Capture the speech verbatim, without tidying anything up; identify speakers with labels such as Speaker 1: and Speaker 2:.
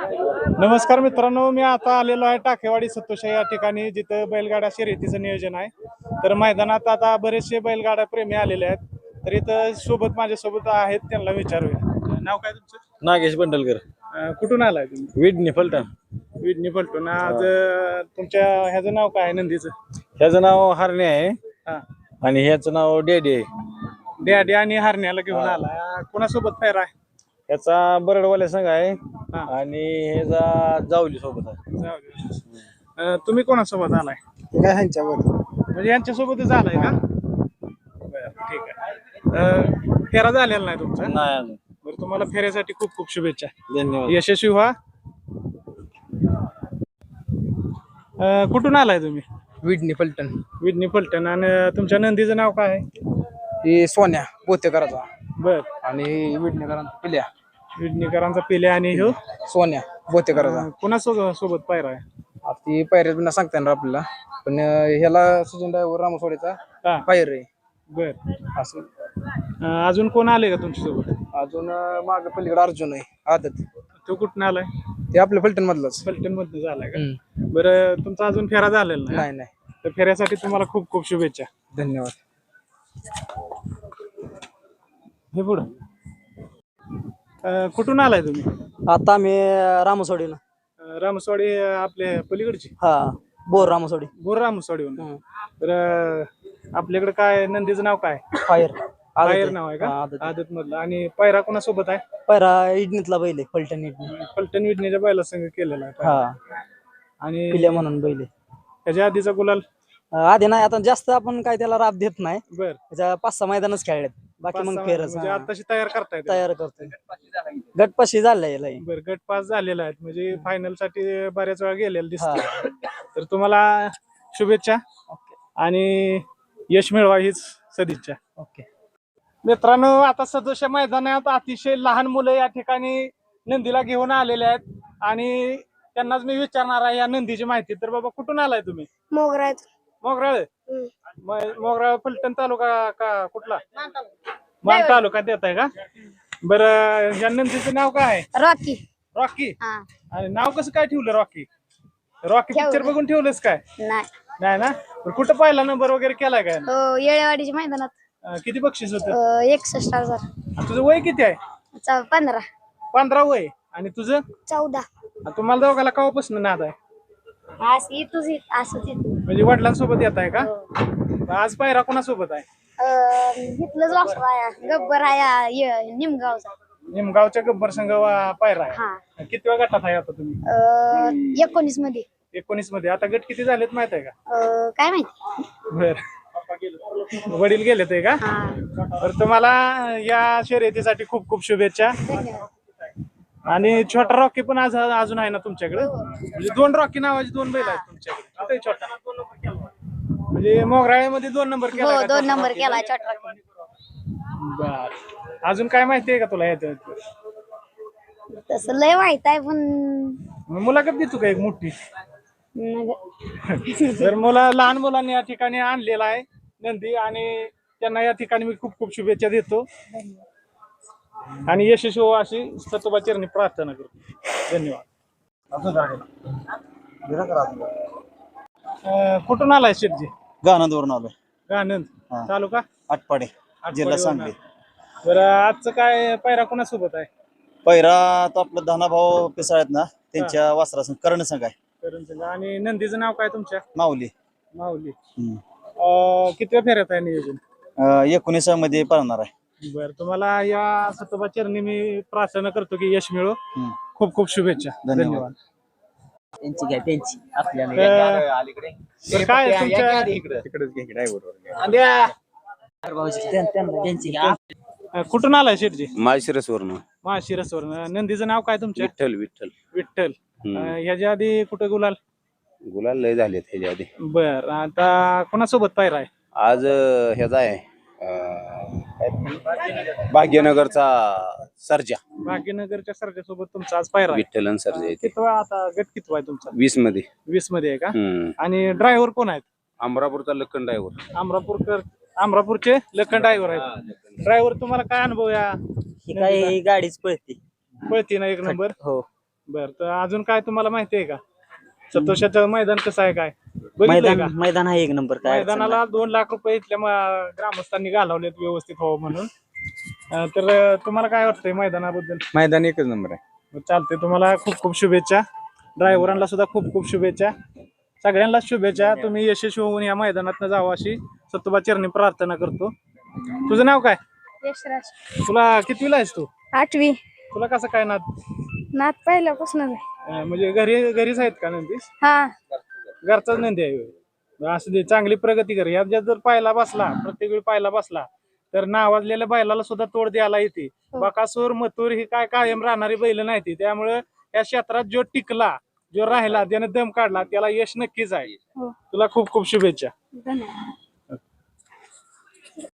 Speaker 1: नमस्कार मित्रांनो, मी आता आलेलो आहे टाकेवाडी सत्तोशा या ठिकाणी, जिथं बैलगाडा शर्यतीचं नियोजन आहे. तर मैदानात आता बरेचसे बैलगाडा प्रेमी आलेले आहेत. तर इथं सोबत माझ्यासोबत आहेत, त्यांना विचारूया. नाव काय तुमचं?
Speaker 2: नागेश बंडलकर.
Speaker 1: अं, कुठून आलाय तुम्ही?
Speaker 2: विडणी फलटण.
Speaker 1: विडणी फलटून. आज अं, तुमच्या ह्याचं नाव काय आहे नंदीचं?
Speaker 2: ह्याचं नाव हरणे आहे
Speaker 1: हा,
Speaker 2: आणि ह्याचं नाव डेडी आहे.
Speaker 1: डॅडी आणि हरण्याला घेऊन आलाय. कोणासोबत फेर आहे?
Speaker 2: ह्याचा बरडवाल्या संघ आहे
Speaker 1: हा.
Speaker 2: आणि ह्याचा जावली सोबत आहे.
Speaker 1: जाऊ दे. अं, तुम्ही कोणासोबत आलाय?
Speaker 2: काय ह्यांच्यावर
Speaker 1: म्हणजे यांच्यासोबतच आलाय का? बरं, ठीक आहे. अं, फेरा झालेला नाही तुमचा?
Speaker 2: नाही अजून.
Speaker 1: बरं, तुम्हाला फेऱ्यासाठी खूप खूप शुभेच्छा.
Speaker 2: धन्यवाद.
Speaker 1: यशस्वी व्हा. अं, कुठून आलाय तुम्ही?
Speaker 3: विडणी फलटण.
Speaker 1: विडणी फलटण. आणि तुमच्या नंदीचं नाव काय आहे?
Speaker 3: ही सोन्या बोतेकराचा
Speaker 1: बर.
Speaker 3: आणि विडणीकरांचा पिल्या
Speaker 1: विडणीकरांचा पिले आणि ह्यो
Speaker 3: सोन्या बोतेकराचा.
Speaker 1: अं, कोणासोबत सोबत पायरा आहे?
Speaker 3: आता ती पायऱ्यात बिना सांगता येणार आपल्याला, पण अं, ह्याला सचिन ड्रायव्हर रामसवाडीचा
Speaker 1: हा.
Speaker 3: पायर आहे
Speaker 1: बर.
Speaker 3: असं.
Speaker 1: अं, अजून कोण आले का तुमच्यासोबत?
Speaker 3: अजून माग पलीकडे अर्जुन आहे आदत,
Speaker 1: तो कुठून आलाय?
Speaker 3: ते आपल्या फलटण मधलाच.
Speaker 1: फलटण मधनं झालाय का?
Speaker 3: हम्म.
Speaker 1: बरं, तुमचा अजून फेरा झालेला नाही?
Speaker 3: नाही नाही.
Speaker 1: तर फेऱ्यासाठी तुम्हाला खूप खूप शुभेच्छा.
Speaker 3: धन्यवाद.
Speaker 1: हे पुढं. अं, कुठून आलाय तुम्ही?
Speaker 4: आता मी रामसवाडीला.
Speaker 1: अं, रामसवाडी अं, आपल्या पलीकडची?
Speaker 4: हा, बोर रामसवाडी.
Speaker 1: बोर रामसवाडीहून.
Speaker 4: हम्म.
Speaker 1: तर अं, आपल्याकडे काय नंदीचं नाव काय?
Speaker 4: फायर
Speaker 1: बाहेर नाव आहे का?
Speaker 4: हा, आदत.
Speaker 1: आदत मधलं. आणि पायरा कोणासोबत आहे?
Speaker 4: पैरा इडणीतला बैल आहे, फलटण इडणी.
Speaker 1: फलटण विडणीच्या बैला संघ केलेला आहे पायरा.
Speaker 4: हा,
Speaker 1: आणि
Speaker 4: पिल्या म्हणून बैल आहे.
Speaker 1: त्याच्या आधीचा गुलाल?
Speaker 4: अं, आधी नाही, आता जास्त आपण काय त्याला राब देत नाही.
Speaker 1: बर.
Speaker 4: त्याच्या पाच सहा मैदानच खेळलेत, बाकी
Speaker 1: पाच
Speaker 4: मग
Speaker 1: सहा
Speaker 4: फेरच.
Speaker 1: म्हणजे
Speaker 4: हा.
Speaker 1: आताशी तयार करतायत?
Speaker 4: तयार करतोय. गटपाशी झालाय याला हे.
Speaker 1: बर, गट पास झालेला आहे म्हणजे फायनल साठी बऱ्याच वेळा गेलेला
Speaker 4: हा.
Speaker 1: दिसत. तर तुम्हाला शुभेच्छा आणि यश मिळवा हीच सदिच्छा.
Speaker 4: ओके.
Speaker 1: मित्रांनो, आता सदोशा मैदानात अतिशय लहान मुलं या ठिकाणी नंदीला घेऊन आलेले आहेत आणि त्यांनाच मी विचारणार आहे या नंदीची माहिती. तर बाबा, कुठून आलाय तुम्ही?
Speaker 5: मोगरा.
Speaker 1: मोगराळ. मोगराळ फलटण तालुका का कुठला? मान तालुका देत आहे का? बरं, या नंदीचं नाव काय आहे?
Speaker 5: रॉकी.
Speaker 1: रॉकी.
Speaker 5: हा.
Speaker 1: आणि नाव कसं काय ठेवलं रॉकी? रॉकी
Speaker 5: ठेवलं.
Speaker 1: पिक्चर बघून ठेवलंस काय?
Speaker 5: नाही.
Speaker 1: नाही ना? बरं, कुठं पहिला नंबर वगैरे केलाय काय?
Speaker 5: हो, येळेवाडीच्या मैदानात.
Speaker 1: अं, किती बक्षीस होतं?
Speaker 5: अं, एकसष्ट हजार.
Speaker 1: आणि तुझं वय किती आहे?
Speaker 5: चौ- पंधरा.
Speaker 1: पंधरा वय. आणि तुझं?
Speaker 5: चौदा.
Speaker 1: आणि तुम्हाला दोघाला केव्हापासून नाद आहे?
Speaker 5: असं तुझी असं ते.
Speaker 1: म्हणजे वडिलांसोबत येत आहे का? आज पायरा कोणासोबत आहे?
Speaker 5: इथलंच वासरू आहे, गब्बर आहे य- निमगावचा.
Speaker 1: निमगावच्या गब्बर संघ वा- पायरा आहे.
Speaker 5: हा.
Speaker 1: किती वेळ गटात आहे आता तुम्ही?
Speaker 5: अं, एकोणीस मध्ये.
Speaker 1: एकोणीस मध्ये. आता गट किती झालेत माहित आहे का?
Speaker 5: अं, काय माहिती.
Speaker 1: बर. वडील गेले ते का?
Speaker 5: हा.
Speaker 1: तर तुम्हाला या शर्यतीसाठी खूप खूप शुभेच्छा.
Speaker 5: धन्यवाद.
Speaker 1: आणि छोटा रॉकी पण आज अजून आहे ना तुमच्याकडे? म्हणजे दोन रॉकी नावाचे दोन बैल आहेत तुमच्याकडे. कुठे छोटा? म्हणजे मोगराळ्यामध्ये दोन नंबर केला
Speaker 5: हो,
Speaker 1: का?
Speaker 5: दोन नंबर केला छोटा रॉकी.
Speaker 1: बर. अजून काय माहिती आहे का तुला याच्यात?
Speaker 5: तसं लय माहित आहे पण
Speaker 1: मुलाखत देतो का एक मोठी?
Speaker 5: नग-
Speaker 1: तर मुला लहान मुलांनी या ठिकाणी आणलेला आहे नंदी आणि त्यांना या ठिकाणी मी खूप खूप शुभेच्छा देतो आणि यशस्वी हो अशी सतोबा चरणी प्रार्थना करतो. धन्यवाद. अं, कुठून आलाय शेटजी?
Speaker 2: गाणंदवरून आलोय.
Speaker 1: गानंद.
Speaker 2: हा.
Speaker 1: तालुका?
Speaker 2: आटपाडे, जिल्हा सांगली.
Speaker 1: बरं, आजचं काय पायरा कोणासोबत आहे?
Speaker 2: पहिरा तो आपलं धनाभाऊ पिसाळ आहेत ना, त्यांच्या वासरा संघ कर्ण संघ आहे.
Speaker 1: करण संघ. आणि नंदीचं नाव काय तुमच्या?
Speaker 2: माऊली.
Speaker 1: माऊली.
Speaker 2: हम्म.
Speaker 1: अं, कितव्या फेऱ्यात आहे नियोजन?
Speaker 2: अं, एकोणीस मध्ये पळणार आहे.
Speaker 1: बर, तुम्हाला या सतोबा चरणी मी प्रार्थना करतो की यश मिळो.
Speaker 2: हम्म.
Speaker 1: खूप खूप शुभेच्छा.
Speaker 2: धन्यवाद.
Speaker 1: धन्यवाद.
Speaker 4: त्यांची घ्या त्यांची आपल्याला.
Speaker 1: तर काय तुमच्या
Speaker 4: त्यांची घ्या.
Speaker 1: अं, कुठून आलाय शेटजी?
Speaker 6: माळशिरसवरून.
Speaker 1: माळशिरसवरून. नंदीचं नाव काय तुमच्या?
Speaker 6: विठ्ठल विठ्ठल.
Speaker 1: विठ्ठल.
Speaker 6: हम्म.
Speaker 1: अं, ह्याच्या आधी कुठं गुलाल?
Speaker 6: गुलाल लय झाले ह्याच्या आधी.
Speaker 1: बर, आता कोणासोबत पायरा आहे?
Speaker 6: आज अं, ह्याचा आहे अं, काय? भाग्यनगरचा सर्जा.
Speaker 1: भाग्यनगरच्या सरच्यासोबत तुमचा आज पायरा आहे.
Speaker 6: विठ्ठल आणि सर्जा येते
Speaker 1: कितवा आता गट कितवा आहे तुमचा?
Speaker 6: वीस मध्ये.
Speaker 1: वीस मध्ये आहे का?
Speaker 6: हम्म.
Speaker 1: आणि ड्रायव्हर कोण आहेत?
Speaker 6: अमरापूरचा लक्कन ड्रायव्हर.
Speaker 1: अमरापूरकर अमरापूरचे लखन ड्रायव्हर आहेत. ड्रायव्हर, तुम्हाला काय अनुभव या
Speaker 4: ही काय गाडीच पळते.
Speaker 1: पळती ना एक नंबर?
Speaker 4: हो.
Speaker 1: बर, तर अजून काय तुम्हाला माहिती आहे का सतोषाचं मैदान कसं आहे काय बघितलंय
Speaker 4: मैदान
Speaker 1: का?
Speaker 4: मैदान आहे एक नंबर काय अडचण
Speaker 1: मैदानाला दोन लाख रुपये इथल्या म- ग्रामस्थांनी घालवलेत व्यवस्थित व्हावं म्हणून. अं, तर अं, तुम्हाला काय वाटतंय मैदानाबद्दल?
Speaker 3: मैदान एकच नंबर आहे.
Speaker 1: चालते, तुम्हाला खूप खूप शुभेच्छा. ड्रायव्हरांना सुद्धा खूप खूप शुभेच्छा. सगळ्यांना शुभेच्छा. तुम्ही यशस्वी होऊन या मैदानात जावं अशी सतोबा चरणी प्रार्थना करतो. तुझं नाव काय?
Speaker 5: यशराज
Speaker 1: तुला कितवीला आहेस तू?
Speaker 5: आठवी.
Speaker 1: तुला कसं काय नाद?
Speaker 5: नात पहिल्यापासून आहे.
Speaker 1: अं, म्हणजे घरी घरीच आहेत का नंदी?
Speaker 5: हा
Speaker 1: घरचाच नंदी आहे होय. असं दे, चांगली प्रगती कर. यात जर पायला बसला प्रत्येक वेळी पायला बसला तर नावाजलेल्या बैलाला सुद्धा तोड द्यायला येते. बकासूर मथुर ही काय कायम राहणारी बैल नाही ती. त्यामुळे या क्षेत्रात जो टिकला, जो राहिला, ज्याने दम काढला त्याला यश नक्कीच आहे.
Speaker 5: हो.
Speaker 1: तुला खूप खूप शुभेच्छा.
Speaker 5: धन्यवाद.